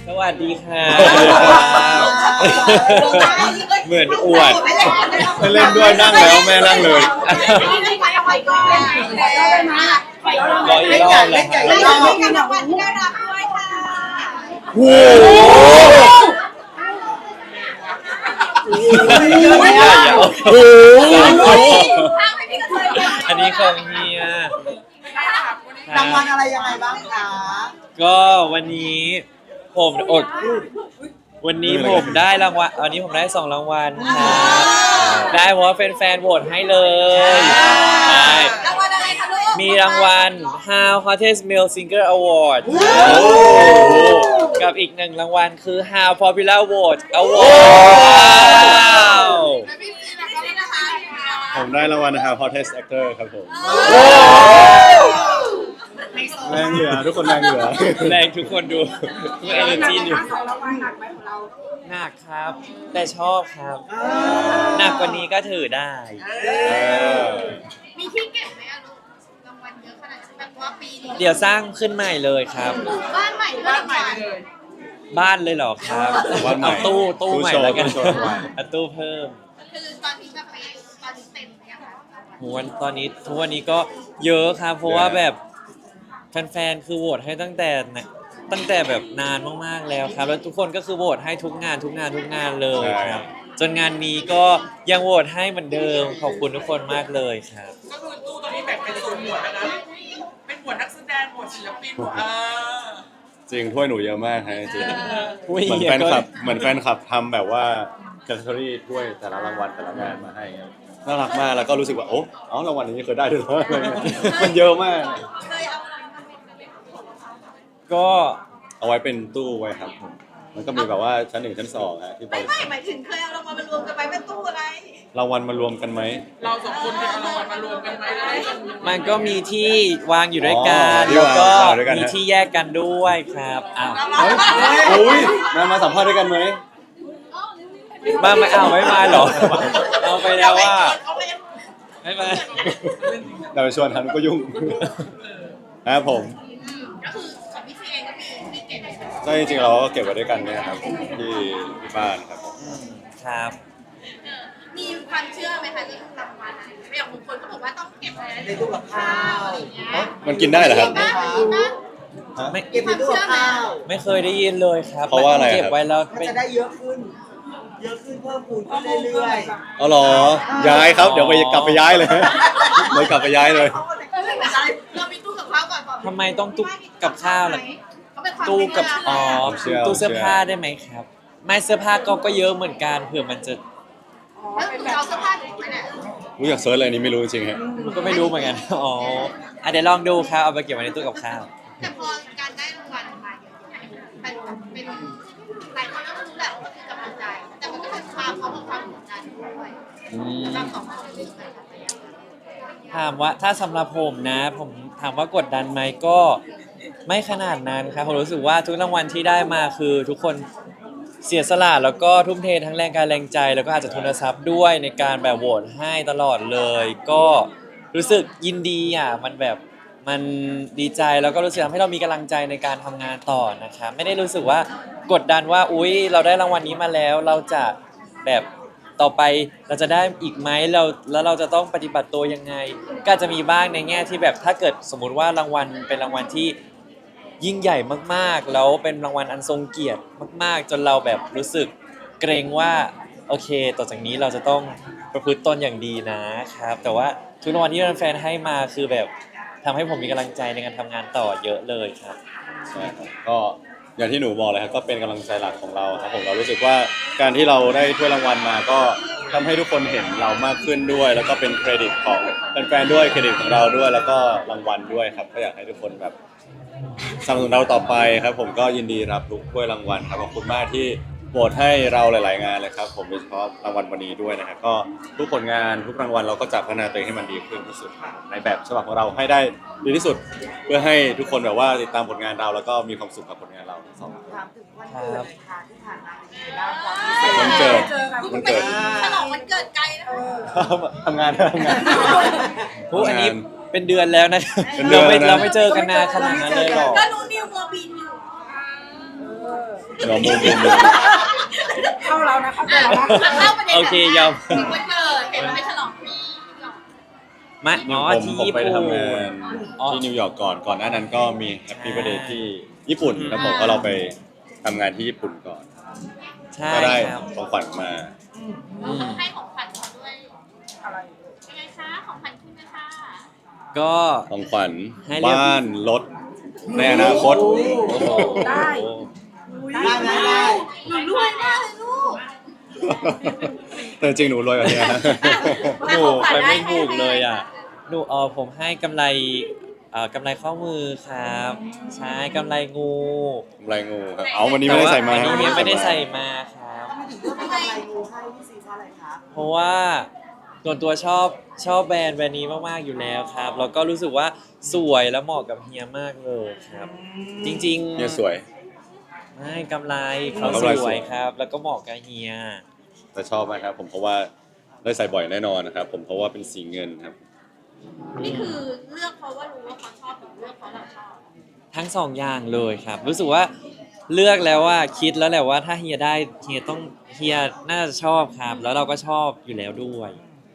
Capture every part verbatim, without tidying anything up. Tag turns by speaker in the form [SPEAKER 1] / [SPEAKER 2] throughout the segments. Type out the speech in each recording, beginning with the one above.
[SPEAKER 1] สวัสดีค่ะเหมือนอวด
[SPEAKER 2] ไม่เล่นด้วยนั่งแล้วแม่นั่งเลย
[SPEAKER 1] รออีกรอบเลยค่ะ
[SPEAKER 2] โอ้โห
[SPEAKER 1] อันนี้ของเฮีย
[SPEAKER 3] รางวัลอะไรยังไงบ้างคะ
[SPEAKER 1] ก็วันนี้ผมอดวันนี้ผมได้รางวัลวันนี้ผมได้สองรางวัลครับได้เพราะว่าแฟนๆโหวตให้เลยใช่
[SPEAKER 4] รางวัลอะไรคะลูก
[SPEAKER 1] มีรางวัล How Hottest Male Singer Award กับอีกหนึ่งรางวัลคือ How Popular Vote Award
[SPEAKER 2] ผมได้รางวัลนะครับ Hottest Actor ครับผมแรงเหลือทุกคนแรงเหลือ
[SPEAKER 1] แรงทุกคนดูทุก energy ดู
[SPEAKER 3] สองรางวัลหนักไหมของเรา
[SPEAKER 1] หนักครับ แต่ชอบครับหนักกว่านี้ก็ถือได้
[SPEAKER 4] มีที่เก็บไหมอะลูกรางวัลเยอะขนาดนี้แบบว่าปีนี้
[SPEAKER 1] เดี๋ยวสร้างขึ้นใหม่เลยครับ
[SPEAKER 4] บ้านใหม่บ้านใหม่เลย
[SPEAKER 1] บ้านเลยเหรอครับเอาตู้ตู้ใหม่แล้วกันเอาตู้เพิ่ม
[SPEAKER 4] คือตอนนี้ก็ไปตอนนี้เต็มเนี่ยค่ะ
[SPEAKER 1] วันตอนนี้ทุกวันนี้ก็เยอะครับเพราะว่าแบบแฟนๆคือโหวตให้ตั้งแต่ตั้งแต่แบบนานมากๆแล้วครับแล้วทุกคนก็คือโหวตให้ทุกงานทุกงานทุกงานเลยครับจนงานนี้ก็ยังโหวตให้เหมือนเดิมขอบคุณทุกคนมากเลยครับ
[SPEAKER 5] ก็คือตู้ตอนนี้แบ่งเป็นโซนหมวดนะเป็นหมวดนักแสดงหมวดศิลปินหมวดเออ
[SPEAKER 2] จริงถ้วยหนูเยอะมากฮะจริงเหมือนแฟนคลับเหมือนแฟนคลับทำแบบว่าแคตตาล็อกถ้วยแต่ละรางวัลแต่ละงานมาให้น่ารักมากแล้วก็รู้สึกว่าโอ้อ๋อรางวัลนี้เคยได้ด้วยเหรอมันเยอะมาก
[SPEAKER 1] ก็
[SPEAKER 2] เอาไว้เป็นตู้ไว้ครับผมมันก็มีแบบว่าชั้นหนึ่งชั้นสองฮะที่บ
[SPEAKER 4] ไม่
[SPEAKER 2] ริ
[SPEAKER 4] ไม่
[SPEAKER 2] ษัท
[SPEAKER 4] หมายถึงเคยเอารางวัลมารวมกันไว้เป็นตู้อะไร
[SPEAKER 2] รางวัลมารวมกันไหม
[SPEAKER 5] เราสองคนเคยเอารางวัลมารวมกันไหมได้
[SPEAKER 1] มันก็มีที่วางอยู่ด้วยกันแล้วก็มีที่แยกกันด้วยครับอ้าว
[SPEAKER 2] โอ้ยมามาสัมภาษณ์ด้วยกันไหม
[SPEAKER 1] มาไม่เอาไม่มาหรอเอาไปแล้วว่าไม่มา
[SPEAKER 2] เราไปชวนทันก็ยุ่งนะครับผม
[SPEAKER 4] ก็คือของพี่ซีเองก็มีมีเก็บ
[SPEAKER 2] ใช่จริงๆเราก็เก็บไว้ด้วยกันเนี่ยครับที่ที่บ้านครับ
[SPEAKER 1] ครับ
[SPEAKER 4] มีความเชื่อไหมคะเรื่องรางวัลอะไรอย่างบางคนก็บอกว่าต้องเก็บไว้
[SPEAKER 3] ในตู้กับข้าวอย่างเงี้ย
[SPEAKER 2] มันกินได้เหรอครับ
[SPEAKER 1] ไม่
[SPEAKER 3] เก็บในตู้กับข้าว
[SPEAKER 1] ไม่เคยได้ยินเลยครับ
[SPEAKER 2] เพราะว่าอะไร
[SPEAKER 1] เก็บไว้แล้ว
[SPEAKER 3] มันจะได้เยอะขึ้นเยอะขึ้นเพิ่มพูนขึ้นเรื่อย
[SPEAKER 2] ๆอ๋อเหรอย้ายครับเดี๋ยวไปกลับไปย้ายเลยเลยกลับไปย้ายเลย
[SPEAKER 4] เรามีตู้กับข้าวก่อน
[SPEAKER 1] ทำไมต้องตู้กับข้าวล่ะตู้กับอ๋อตู้เสื้อผ้าได้ไหมครับไม่เสื้อผ้าก็ก็เยอะเหมือนกันเผื่อมันจะ
[SPEAKER 4] แล้วคุณเอาเสื้อผ้าไหนเนี่ย
[SPEAKER 2] รู้อยากเซิร์ชอะไรนี้ไม่รู้จริงๆฮะ
[SPEAKER 1] ก็ไม่รู้เหมือนกันอ๋อเดี๋ยวลองดูครับเอาไปเก็บไว้ในตู้กับข้าว
[SPEAKER 4] แต่พอการได้รางวัลมาเยอะๆเป็นเป็นหลายคนก็รู้แหละว่าคือกำลังใจแต่มันก็เป็นความพร้อมกับความกดดันด้วยเราสองคนเป็นยังไง
[SPEAKER 1] ถามว่าถ้าสำหรับผมนะผมถามว่ากดดันไหมก็ไม่ขนาดนั้นครับผมรู้สึกว่าทุกรางวัลที่ได้มาคือทุกคนเสียสละแล้วก็ทุ่มเททั้งแรงกายแรงใจแล้วก็อาจจะทุนทรัพย์ด้วยในการแบบโหวตให้ตลอดเลยก็รู้สึกยินดีอ่ะมันแบบมันดีใจแล้วก็รู้สึกทำให้เรามีกำลังใจในการทำงานต่อนะครับไม่ได้รู้สึกว่ากดดันว่าอุ๊ยเราได้รางวัลนี้มาแล้วเราจะแบบต่อไปเราจะได้อีกไหมเราแล้วเราจะต้องปฏิบัติตัวยังไงก็จะมีบ้างในแง่ที่แบบถ้าเกิดสมมุติว่ารางวัลเป็นรางวัลที่ยิ่งใหญ่มากๆแล้วเป็นรางวัลอันทรงเกียรติมากๆจนเราแบบรู้สึกเกรงว่าโอเคต่อจากนี้เราจะต้องประพฤติตนอย่างดีนะครับแต่ว่าทุกรางวัลที่แฟนๆให้มาคือแบบทำให้ผมมีกำลังใจในการทำงานต่อเยอะเลยครับ
[SPEAKER 2] ใช่ครับก็อย่างที่หนูบอกเลยครับก็เป็นกำลังใจหลักของเราครับผมเรารู้สึกว่าการที่เราได้ถ้วยรางวัลมาก็ทำให้ทุกคนเห็นเรามากขึ้นด้วยแล้วก็เป็นเครดิตของแฟนๆด้วยเครดิตของเราด้วยแล้วก็รางวัลด้วยครับก็อยากให้ทุกคนแบบสนับสนุนเราต่อไปครับผมก็ยินดีรับทุกถ้วยรางวัลครับขอบคุณมากที่โหวตให้เราหลายๆงานเลยครับผมโดยเฉพาะรางวัลวันนี้ด้วยนะครับก็ทุกผลงานทุกรางวัลเราก็จะพัฒนาตัวเองให้มันดีขึ้นที่สุดในแบบฉบับของเราให้ได้ดีที่สุดเพื่อให้ทุกคนแบบว่าติดตามผลงานเราแล้วก็มีความสุขกับผลงานเราทั้งสอง
[SPEAKER 3] ถามถึงวันเกิดค่ะที่ผ่านมาเป็นยังไงบ้างความพิเศษ
[SPEAKER 2] วันเกิดวันเกิด
[SPEAKER 4] ฉลองวันเกิดไกลนะ
[SPEAKER 2] ทำงานทำงาน
[SPEAKER 1] โอ้อันนี้เป็นเดือนแล้วนะเราไม่เราไม่เจอกันนานขนาดนั้นเลยหรอก
[SPEAKER 4] ก็รู้นิวโมบินอยู่
[SPEAKER 2] หัวมุมมุมมุม
[SPEAKER 6] เข้าเรานะเข้าเรานะ
[SPEAKER 4] เข้าประเด็น
[SPEAKER 1] โอเคยอม
[SPEAKER 4] ถึงวันเกิดเห็นมันไปฉลองที่นิวยอร์ก
[SPEAKER 1] มาอ๋อ
[SPEAKER 2] ผม
[SPEAKER 1] ที่
[SPEAKER 2] ผม
[SPEAKER 1] ญี่
[SPEAKER 2] ไป
[SPEAKER 1] ปุ่น
[SPEAKER 2] ทำงาน
[SPEAKER 1] อ๋อ
[SPEAKER 2] ที่นิวยอร์กก่อนก่อนหน้านั้นก็มีแฮปปี้
[SPEAKER 1] ใช่
[SPEAKER 2] เบ t ร์ a เดย์ที่ญี่ปุ่นแล้วผมก็เราไปทำงานที่ญี่ปุ่นก่อน
[SPEAKER 1] ใช่
[SPEAKER 2] ก็ได้
[SPEAKER 1] ครับ
[SPEAKER 2] ของขวัญมา
[SPEAKER 1] อืม
[SPEAKER 4] ให้ของขวัญเขาด้วย
[SPEAKER 6] อะไร
[SPEAKER 4] เป็นไงคะของขวัญคุณนะคะ
[SPEAKER 1] ก็
[SPEAKER 2] ของขวัญ
[SPEAKER 1] ให้เรียบ
[SPEAKER 2] บ้านรถในอนาคต
[SPEAKER 1] โอ้โห
[SPEAKER 6] ได้
[SPEAKER 3] ได้ไหมได้
[SPEAKER 4] หนูรวยมากเลยลูก
[SPEAKER 2] แต่จริงหนูรวยกว่านี้นะ
[SPEAKER 1] หนูไปไม่ถูกเลยอ่ะหนูเออผมให้กำไรเอ่อกำไรข้อมือครับ ใช่กำไรงู
[SPEAKER 2] กำไรงูครับเอาวันนี้ไม่ได้ใส่มา
[SPEAKER 1] แต่ว่อันนี้ไม่ได้ใส่มาครับ
[SPEAKER 3] ทำไมถึงเลือกเป็นกำไรงูให้พี่ซีเพราะอะไรคะ
[SPEAKER 1] เพราะว่าส่วนตัวชอบชอบแบรนด์แบรนด์นี้มากๆอยู่แล้วครับแล้วก็รู้สึกว่าสวยและเหมาะกับเฮียมากเลยครับ จริงๆ
[SPEAKER 2] เนี่ยสวย
[SPEAKER 1] ไม่กำไรเขา
[SPEAKER 2] กำ
[SPEAKER 1] ส
[SPEAKER 2] ไร
[SPEAKER 1] ว
[SPEAKER 2] สวย ย
[SPEAKER 1] ครับ แล้วก็เหมาะกับเฮีย
[SPEAKER 2] แต่ชอบมากครับ ผมเพราะว่าได้ใส่บ่อยแน่นอนนะครับ ผมเพราะว่าเป็นสีเงินครับ
[SPEAKER 4] นี่คือเลือกเพราะว่ารู้ว่าเขาชอบหรือเลือกเพราะเราชอบ
[SPEAKER 1] ทั้งสองอย่างเลยครับ รู้สึกว่าเลือกแล้วว่าคิดแล้วแหละว่าถ้าเฮียได้เฮียต้องเฮียน่าจะชอบครับ แล้วเราก็ชอบอยู่แล้วด้วย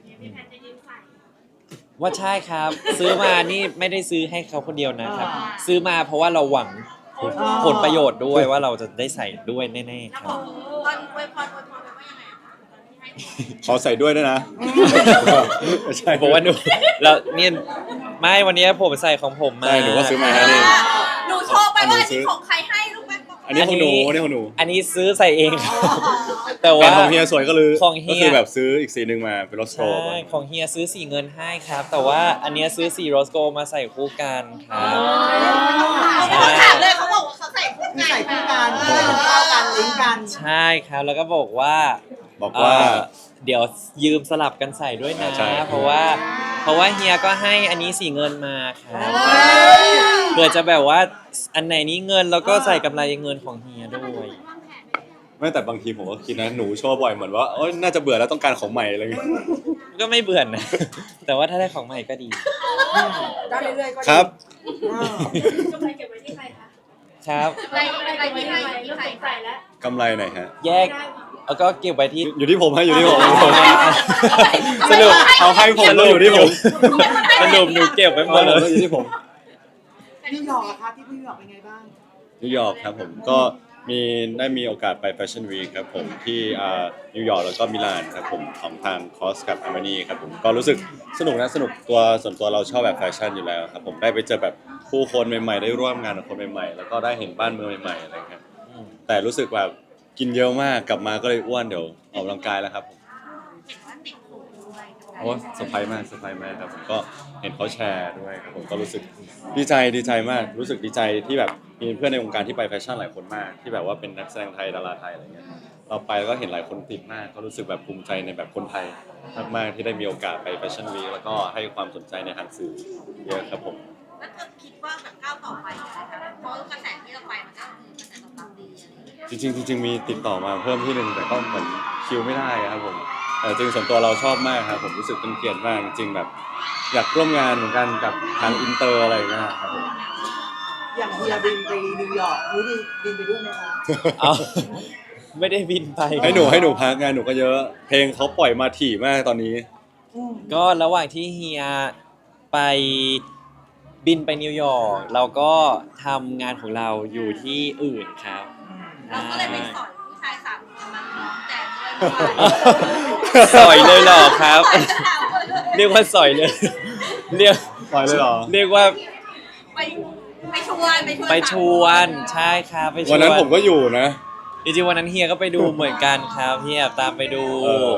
[SPEAKER 1] ว่าใช่ครับ ซื้อมานี่ไม่ได้ซื้อให้เขาคนเดียวนะครับ ซื้อมาเพราะว่าเราหวังผลประโยชน์ด้วยว่าเราจะได้ใส่ด้วยแน่ๆครับ
[SPEAKER 4] ตอนอวยพรอวยพรไปว่ายังไงอะคะตอนที่ให้
[SPEAKER 2] ขอใส่ด้วยด้วยนะ ใช่
[SPEAKER 1] บอกว่าหนูแล้วเนี่ยไม่วันนี้ผมใส่ของผมมา
[SPEAKER 2] ใช่หนูก็ซื้อมาให้นี่
[SPEAKER 4] หนูโชว์ไปว่าอันนี้ของใครให้ลูกแม่บอก
[SPEAKER 2] อันนี้ของหนูอันนี้ของหนู
[SPEAKER 1] อันนี้ซื้อใส่เองครับแต่
[SPEAKER 2] แฟ
[SPEAKER 1] ว่า
[SPEAKER 2] นของเฮียสวยก็เลย
[SPEAKER 1] ของเฮีย
[SPEAKER 2] ก็คือแบบซื้ออีกสีหนึ่งมาเป็นรถโช
[SPEAKER 1] ใช่
[SPEAKER 2] ว์มา
[SPEAKER 1] ของเฮียซื้อสีเงินให้ครับ แต่ว่าอันเนี้ยซื้อสีโรสโกมาใส่คู่กันครับ
[SPEAKER 4] เขาถามเลยเขาบอกว่าเขาใส่คู่
[SPEAKER 3] คือ
[SPEAKER 4] กัน
[SPEAKER 3] ใส่คู่กันเข้ากันลิงก์กัน
[SPEAKER 1] ใช่ครับแล้วก็บอกว่า
[SPEAKER 2] บอกว่า
[SPEAKER 1] เอ่อเดี๋ยวยืมสลับกันใส่ด้วยนะ
[SPEAKER 2] ใช่
[SPEAKER 1] เพราะว่าเพราะว่าเฮียก็ให้อันนี้สีเงินมาครับเพื่อจะแบบว่าอันไหนนี้เงินแล้วก็ใส่กำไรเงินของเฮียด้วย
[SPEAKER 2] ไม่แต่บางทีผมก็คิดนะหนูโชว์บ่อยเหมือนว่าเอ้ยน่าจะเบื่อแล้วต้องการของใหม่อะไรเงี้ย
[SPEAKER 1] ก็ไม่เบื่อนะ แต่ว่าถ้าได้ของใหม่ก็ดี
[SPEAKER 6] ได้เรื่อยๆก็ดี
[SPEAKER 2] ครับ
[SPEAKER 6] กำไรเก็บไว้ที่ใครคะ
[SPEAKER 1] ครับ
[SPEAKER 4] อะไรอะไรที่ให้ที่ใคร
[SPEAKER 6] ใส่แล้ว
[SPEAKER 2] กำไรไหนฮะ
[SPEAKER 1] แยกแล้วก็เก็บไว้ที่
[SPEAKER 2] อยู่ที่ผมฮะอยู่ที่ผม
[SPEAKER 1] สรุป
[SPEAKER 2] เขาให้ผมแล้วอยู่ที่ผม
[SPEAKER 1] สรุปหนูเก็บไว้หมดเลย
[SPEAKER 2] อยู่ที่ผม
[SPEAKER 3] นิวยอร์กอะคะที่นิวยอร์กเป็นไงบ้าง
[SPEAKER 2] นิวยอร์กครับผมก็มีได้มีโอกาสไปแฟชั่นวีคครับผมที่อ่านิวยอร์กแล้วก็มิลานครับผมของทางคอสกับอาร์มานีครับผมก็รู้สึกสนุกนะสนุกตัวส่วนตัวเราชอบแบบแฟชั่นอยู่แล้วครับผมได้ไปเจอแบบผู้คนใหม่ๆได้ร่วมงานกับคนใหม่ๆแล้วก็ได้เห็นบ้านเมืองใหม่ๆอะไรครับแต่รู้สึกแบบกินเยอะมากกลับมาก็เลยอ้วนเดี๋ยวออกกำลังกายแล้วครับผม
[SPEAKER 4] เห็นว่าติดหูด้วย
[SPEAKER 2] โอ้เซอร์ไพรส์มากเซอร์ไพรส์มากครับผมก็เห็นเขาแชร์ด้วยครับผมก็รู้สึกดีใจดีใจมาก รู้สึกดีใจที่แบบมีเพื่อนในวงการที่ไปแฟชั่นหลายคนมาก ที่แบบว่าเป็นนักแสดงไทยดาราไทยอะไรเงี้ยเราไปแล้วก็เห็นหลายคนติดมากก็รู้สึกแบบภูมิใจในแบบคนไทยมากๆที่ได้มีโอกาสไปแฟชั่นวีคแล้วก็ให้ความสนใจในทางสื่อเยอะครับผม
[SPEAKER 4] แล้วเธอคิดว่าแบบก้าวต่อไปนะคะเพราะกระแสที่เราไปมันก็คือกระแสตอบรับดีอะไรอย่างเงี้ย
[SPEAKER 2] จริงๆจริงๆมีติดต่อมาเพิ่มที่หนึ่งแต่ก็เหมือนคิวไม่ได้ครับผมแต่จริงส่วนตัวเราชอบมากครับผมรู้สึกเป็นเกียรติมากจริงๆแบบ อยากร่วมงานเหมือนกันกับทางอินเตอร์อะไรอย่างเงี้ยครับผม
[SPEAKER 3] อย่างเฮียบินไปนิวยอร์กรู้ดีบินไปด้วยไหมคะ
[SPEAKER 1] เอาไม่ได้บินไป
[SPEAKER 2] ให้หนูให้หนูพักงานหนูก็เยอะ เพลงเขาปล่อยมาถี่มากตอนนี้
[SPEAKER 1] ก็ระหว่างที่เฮียไปบินไปนิวยอร์กเราก็ทำงานของเราอยู่ที่อื่นครับ
[SPEAKER 4] เราก็เลยไปสอนผู้ชายสามคนมาร้องแจมด้วย
[SPEAKER 1] สอยเลยเหรอครับ เรียกว่าสอยเลย เรียก
[SPEAKER 2] ปล่อยเลยเหรอ
[SPEAKER 1] เรียกว่า
[SPEAKER 4] ไปไปชวนไปชวน
[SPEAKER 1] ไปชวนใช่ครับไปชวน
[SPEAKER 2] วันนั้นผมก็อยู่นะ
[SPEAKER 1] จริงๆวันนั้นเฮียก็ไปดูเหมือนกันครับเฮียตามไปดู
[SPEAKER 2] เออ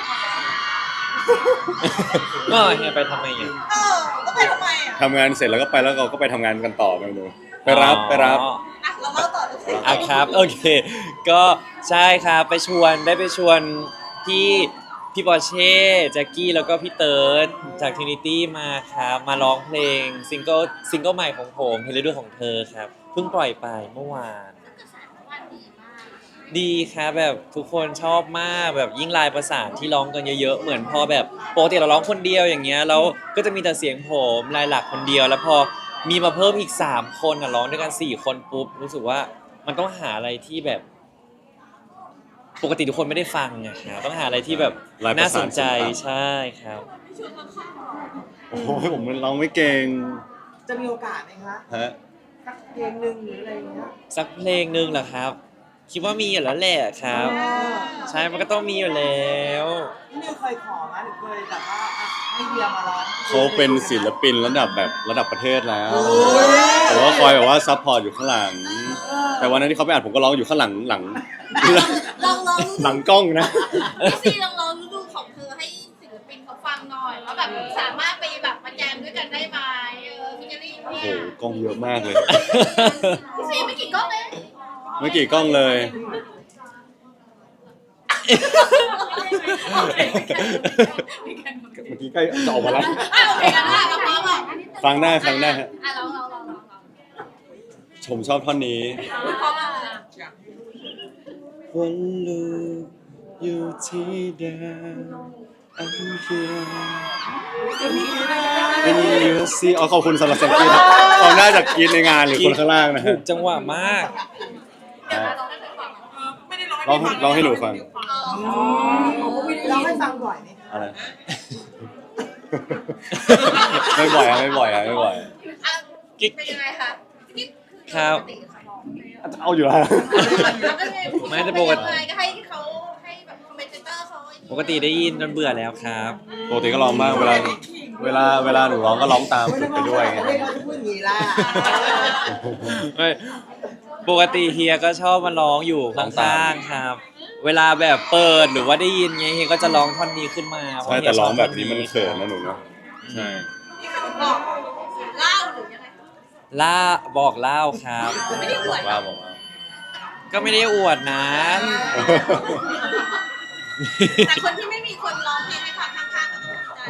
[SPEAKER 1] ก็เฮียไปทำไมอ่ะ
[SPEAKER 4] เออก็ไปทำไมอ่ะ
[SPEAKER 2] ทำงานเสร็จแล้วก็ไปแล้วเราก็ไปทำงานกันต่อไปหนูไปรับไปรับ
[SPEAKER 1] อ๋อ
[SPEAKER 4] อ่ะเราเล่าต่อเลย
[SPEAKER 1] อ่ะครับโอเค ก็ใช่ครับไปชวนได้ไปชวนพี่พี่ปอร์เช่แจ็คกี้แล้วก็พี่เติร์ดจากทรินิตี้มาครับมาร้องเพลงซิงเกิลซิงเกิลใหม่ของผมเพลงฤดูของเธอครับเพิ่งปล่อยไปเมื่อวาน
[SPEAKER 4] กระแสว่าดีมาก
[SPEAKER 1] ดีครับแบบทุกคนชอบมากแบบยิ่งลายประสานที่ร้องกันเยอะๆเหมือนพอแบบปกติเราร้องคนเดียวอย่างเงี้ยแล้วก็จะมีแต่เสียงผมลายหลักคนเดียว แล้วพอมีมาเพิ่มอีกสามคนอ่ะร้องด้วยกันสี่คนปุ๊บรู้สึกว่ามันต้องหาอะไรที่แบบปกติทุกคนไม่ได้ฟังไงครับต้องหาอะไรที่แบบ
[SPEAKER 2] ลายประ
[SPEAKER 1] น่า
[SPEAKER 2] สา
[SPEAKER 1] ส
[SPEAKER 2] น
[SPEAKER 1] นใจ
[SPEAKER 2] ศิลปะ
[SPEAKER 1] ใช่ครับ
[SPEAKER 2] โอ้โหผมร้องไม่เก่ง
[SPEAKER 3] จะมีโอกาสไหมคะ
[SPEAKER 2] ฮะ
[SPEAKER 3] สักเพลงหนึ่งหรืออะไรอย่างเงี้ย
[SPEAKER 1] สักเพลงหนึ่งเหรอครับ คิดว่ามีอยู่แล้วแหละครับ ใช่มันก็ต้องมีอยู่แล้ว
[SPEAKER 3] พี่นิวเคยขอไหมหรือเคยแบบว่าอ่ะให้เฮียมาร้อง
[SPEAKER 2] เขาเป็นศิลปินระดับแบบระดับประเทศแล้ว
[SPEAKER 3] โอ้ย
[SPEAKER 2] ผมก็คอยแบบว่าซัพพอร์ตอยู่ข้างหลัง แต่วันนั้นที่เขาไปอัดผมก็ร้องอยู่ข้างหลังหลัง
[SPEAKER 4] ลองลอง
[SPEAKER 2] หลังกล้องนะ
[SPEAKER 4] พี่ซีลองลองดูของเธอให้ศิลปินเขาฟังหน่อยว่าแบบสามารถไปแบบมาแจมด้วยกันได้ไหมเออพี่เจอรี่
[SPEAKER 2] โอ้
[SPEAKER 4] เนี่
[SPEAKER 2] โห
[SPEAKER 4] ย
[SPEAKER 2] กล้องเยอะมากเลย
[SPEAKER 4] พี่ซีไม่กี่กล้องเลย
[SPEAKER 2] ไม่กี่กล้องเลย เมื่อกี้ใกล้จะออกมาแล้ว
[SPEAKER 4] อ่ะโอเคกันนะเราพร้อมอ่ะ
[SPEAKER 2] ฟังหน้าฟังหน้าฮะ
[SPEAKER 4] อ่ะลองลองลองลอง
[SPEAKER 2] ชมชอบท่อนนี้
[SPEAKER 4] พร้อมอ่ะ
[SPEAKER 2] วันลูกอยู่ที่เดิม I'm here and you see อ๋อขอบคุณสำหรับเสียงกรี๊ดครับเขาน่าจะกรี๊ดในงานหรือคนข้างล่างนะ
[SPEAKER 1] ถู
[SPEAKER 2] ฮะ
[SPEAKER 1] กจังหวะมาก
[SPEAKER 4] เดี๋ยวเราได้ไปฟัง
[SPEAKER 5] เออไม่ได้ร้องให้
[SPEAKER 2] ร้อง
[SPEAKER 5] พี่ฟัง
[SPEAKER 2] ร้องให้หนูฟัง
[SPEAKER 3] อ๋อเราให้ฟังบ่อยไหม
[SPEAKER 2] อะไร ไม่บ่อยอะไม่บ่อยอะไม่บ่อย
[SPEAKER 4] อ่ะเป็นยังไงคะนี่
[SPEAKER 1] ครับ
[SPEAKER 4] ปกติเขาร้องไหมอ่ะ
[SPEAKER 2] เอาอยู่แล้ว
[SPEAKER 4] แล้วก็ไง
[SPEAKER 1] ไม่แต่ปกติ
[SPEAKER 4] เป็นยังไงก็ให้เขาให้แบบคอมเมนเตอร์เขา
[SPEAKER 1] ปกติได้ยินจนเบื่อแล้วครับ
[SPEAKER 2] ปกติก็ร้องบ้างเวลาเวลาเวลาหนูร้องก็ร้องตามฝึกไปด้วยไง
[SPEAKER 3] ไม่ได้เขาจะพูดอย่างนี้ล่ะ
[SPEAKER 1] ไม่ปกติเฮียก็ชอบมาร้องอยู่ข้างๆครับ เวลาแบบเปิดหรือว่าได้ยินไงเฮียก็จะร้องท่อนนี้ขึ้นมาเพราะ
[SPEAKER 2] ใช่
[SPEAKER 1] เฮี
[SPEAKER 2] แต่
[SPEAKER 1] ยช
[SPEAKER 2] ร้
[SPEAKER 1] อ
[SPEAKER 2] อง
[SPEAKER 1] บ
[SPEAKER 2] แบบ
[SPEAKER 1] ท่
[SPEAKER 2] นี้มันเขินนะหนูเนาะใช่
[SPEAKER 4] นี่คือบอกเล่าหรือยังไง
[SPEAKER 1] ล่าบอกเล่าครับ
[SPEAKER 4] ไม่ได้อวด
[SPEAKER 2] ว่าบอกว่า
[SPEAKER 1] ก็ไม่ได้อวดนะ
[SPEAKER 4] แต่คนที่ไม่มีคนร้องเพลงให้ฟังข้างๆก็ต้องใจ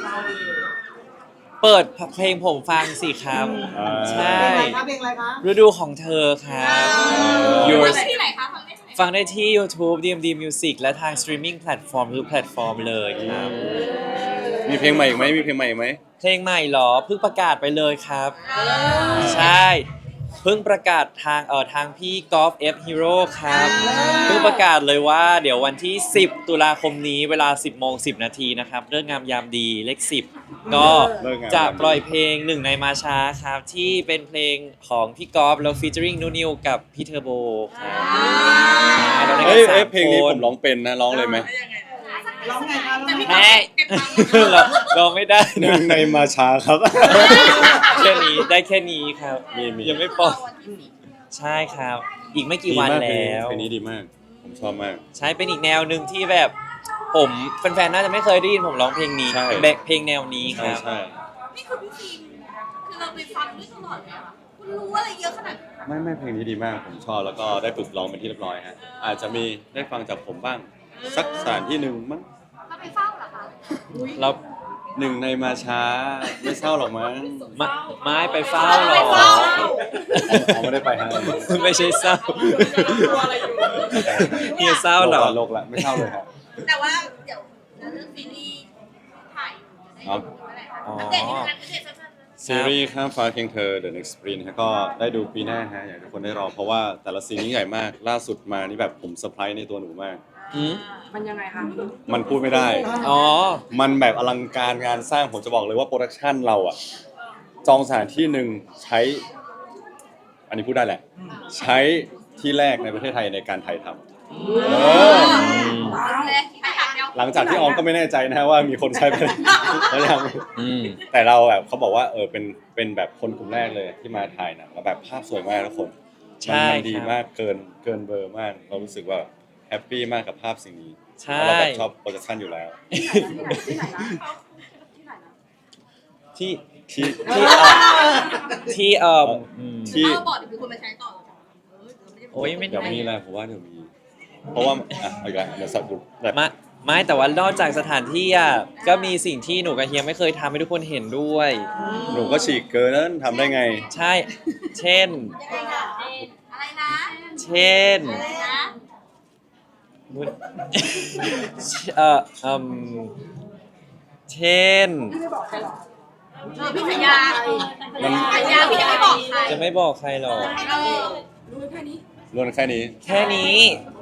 [SPEAKER 1] เปิดเพลงผมฟังสิครับ
[SPEAKER 2] อ่า
[SPEAKER 1] ใช่
[SPEAKER 3] เพลงอะไรคะเพลงอะไรคะ
[SPEAKER 1] ฤดูของเธอครับ
[SPEAKER 4] อ
[SPEAKER 1] Yours
[SPEAKER 4] ฟังได้ที่ไหนคะฟังได้ที่ไหน
[SPEAKER 1] ฟังได้ที่ YouTube ดี เอ็ม ดี Music และทาง streaming platform ทุกแพลตฟอร์มเลยครับ
[SPEAKER 2] มีเพลงใหม่อีกไหมมีเพลงใหม่อีกไหม
[SPEAKER 1] เพลงใหม่เหรอเพิ่งประกาศไปเลยครับ ใช่ เพิ่งประกาศทางเอ่อทางพี่กอล์ฟ F Hero ครับ เพิ่งประกาศเลยว่าเดี๋ยววันที่ สิบ ตุลาคมนี้เวลา สิบโมงสิบ นาทีนะครับเรื่องงามยามดีเลข สิบ ก็จะปล่อยเพลงหนึ่งในมาช้าครับ ที่เป็นเพลงของพี่กอล์ฟแล้วฟีเจอริงนูนิวกับพี่เทอร์โบครับใช่เราได้กั
[SPEAKER 2] เอ้
[SPEAKER 1] น
[SPEAKER 2] ย
[SPEAKER 1] สา
[SPEAKER 2] เอ้ย
[SPEAKER 1] ม
[SPEAKER 2] เพลงนี้
[SPEAKER 1] ค
[SPEAKER 2] ผ
[SPEAKER 1] น
[SPEAKER 2] มร้องเป็นนะร้องเลยไหม
[SPEAKER 5] ได้ยังไง
[SPEAKER 3] ร้องไงคะร้องไง
[SPEAKER 1] แม่เราเราไม่ได้
[SPEAKER 2] หนึ่งในมาช้าครับ
[SPEAKER 1] แค่นี้ได้แค่นี้ครับ
[SPEAKER 2] มีมี
[SPEAKER 1] ยังไม่ปล่อยใช่ครับ อีกไม่กี่วัน
[SPEAKER 2] ดีมาก
[SPEAKER 1] แล้ว
[SPEAKER 2] เพลงนี้ดีมาก ผมชอบมาก
[SPEAKER 1] ใช่เป็นอีกแนวหนึ่งที่แบบผมแฟนๆน่าจะไม่เคยได้ยินผมร้องเพลงนี้
[SPEAKER 2] ใช่
[SPEAKER 1] แบบเพลงแนวนี้ค
[SPEAKER 2] ใช่
[SPEAKER 1] รับ
[SPEAKER 2] ใช่
[SPEAKER 4] นี่คือพี่ฟิล์มคือเราไปฟังด้วยตลอดเลยอะคุณรู้อะไรเยอะขนาดนั้น
[SPEAKER 2] ไม่ไม่เพลงนี้ดีมาก ผมชอบแล้วก็ได้ฝึกร้องเป็นที่เรียบร้อยฮะอาจจะมีได้ฟังจากผมบ้าง สักสถานที่หนึ่งมั้ง
[SPEAKER 4] เราไปเฝ้าเหรอคะ
[SPEAKER 1] เรา
[SPEAKER 2] หนึ่งในมาช้าไม่เศร้าหรอกมั้ง
[SPEAKER 1] ไม้ไม้ไปเฝ้าหรอ
[SPEAKER 2] เขาไม่ได้ไปฮะ
[SPEAKER 1] ไม่ใช่เศร้า
[SPEAKER 5] ตัวอะไรอยู่
[SPEAKER 1] เฮียเศร้าเหรอ
[SPEAKER 2] โลกละไม่เศร้าเลยครับ
[SPEAKER 4] แต่ว่าเดี๋ยวเรื่องซีรีส์ถ่ายอยู่
[SPEAKER 2] ครับ
[SPEAKER 4] เมื่อไหร่คะ
[SPEAKER 1] อ๋อ
[SPEAKER 4] อัปเดตนิดนึงอัปเดตสั้นๆ
[SPEAKER 2] ซีรีส์ข้ามฟ้าเคียงเธอ The Next Sprint ฮะก็ได้ดูปีหน้าฮะอยากให้ทุกคนได้รอ เพราะว่าแต่ละซีนนี้ใหญ่มาก ล่าสุดมานี่แบบผมเซอร์ไพรส์ในตัวหนูมาก
[SPEAKER 1] อืม
[SPEAKER 6] มันยังไงคะ
[SPEAKER 2] มันพูดไม่ได้
[SPEAKER 1] อ๋อ
[SPEAKER 2] มันแบบอลังการงานสร้างผมจะบอกเลยว่าโปรดักชันเราอะจองสถานที่หนึ่งใช้ อันนี้พูดได้แหละ ใช้ที่แรกในประเทศไทยในการถ่ายทำเออ
[SPEAKER 4] เลยไปถามเดียว
[SPEAKER 2] หลังจากที่ออมก็ไม่แน่ใจนะว่ามีคนใช้ไปแล้วยัง
[SPEAKER 1] อืม
[SPEAKER 2] แต่เราแบบเขาบอกว่าเออเป็นเป็นแบบคนกลุ่มแรกเลยที่มาถ่ายหนังแล้วแบบภาพสวยมากทุกคน
[SPEAKER 1] ใช่
[SPEAKER 2] มันมันดี
[SPEAKER 1] ครับ
[SPEAKER 2] มากเกินเกินเบอร์มาก เรารู้สึกว่าแฮปปี้มากกับภาพสิ่งนี้
[SPEAKER 1] ใช่
[SPEAKER 2] เราแบบชอบโปรดักชันอยู่แล้ว
[SPEAKER 6] ที่ไหนนะที่ไหนนะ
[SPEAKER 1] ที่
[SPEAKER 2] ที่
[SPEAKER 1] ที่เอ่อที่เอ่ออืม
[SPEAKER 2] ที่
[SPEAKER 4] เราบอกเดี๋ยวมีคนมาใช้ต่อเออเดี๋ยวไม่ได้
[SPEAKER 1] โอ้ยไม่
[SPEAKER 2] เดี๋ยว
[SPEAKER 1] ได้
[SPEAKER 2] มีแหละผมว่าเดี๋ยวมี เพราะว่าอ่ะเอาอีกแล้วเดี๋ยวสับดูแบบ
[SPEAKER 1] มาไม่แต่ว่านอกจากสถานที่อ่ะก็มีสิ่งที่หนูกับเฮียไม่เคยทำให้ทุกคนเห็นด้วย
[SPEAKER 2] หนูก็ฉีกเกินนั้นทำได้ไง
[SPEAKER 1] ใช่ เช่น
[SPEAKER 4] ยังไงคะอะไรนะ
[SPEAKER 1] เช่น
[SPEAKER 4] อะไรนะ
[SPEAKER 1] นุช เอ่ออืมเช่น
[SPEAKER 6] พี่ไม่บอกใครหรอ
[SPEAKER 4] เออพี่สัญญา
[SPEAKER 2] มัน
[SPEAKER 4] สัญญาพี่จะไม่บอกใคร
[SPEAKER 1] จะไม่บอกใครหรอก
[SPEAKER 4] เออ
[SPEAKER 6] รู้แค่นี้
[SPEAKER 2] รวนแค่นี้
[SPEAKER 1] แค่นี้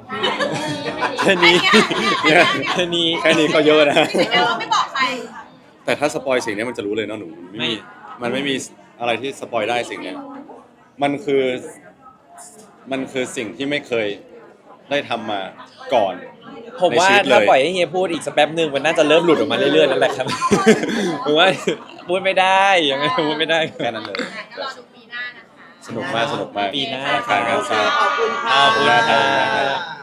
[SPEAKER 1] แค่นี้
[SPEAKER 2] เนี่ย
[SPEAKER 1] แค่นี้
[SPEAKER 2] แค่นี้ก็เยอะนะ
[SPEAKER 4] ไม่ใช่ว่าไม่บอกใคร
[SPEAKER 2] แต่ถ้าสปอยสิ่งนี้มันจะรู้เลยเนาะหนูไม่มีมันไม่มีอะไรที่สปอยได้สิ่งเนี้ยมันคือมันคือสิ่งที่ไม่เคยได้ทำมาก่อน
[SPEAKER 1] ผมว่า
[SPEAKER 2] ในชีวิตเลย
[SPEAKER 1] ถ้าปล่อยให้เฮียพูดอีกสักแป๊บหนึ่งมันน่าจะเริ่มหลุดออกมาเรื่อยๆแล้วแหละครับ ผมว่าพูดไม่ได้ยังไงพูดไม่ได้
[SPEAKER 2] แค่นั้นเลย
[SPEAKER 4] ก็รอดูปีหน้านะคะ
[SPEAKER 2] สนุกมากสนุกมาก
[SPEAKER 1] ปีหน้า
[SPEAKER 2] การการสร้าง
[SPEAKER 3] ขอบคุณค่ะ
[SPEAKER 1] ขอบคุณครั
[SPEAKER 2] ขอบคุณครับ
[SPEAKER 1] บ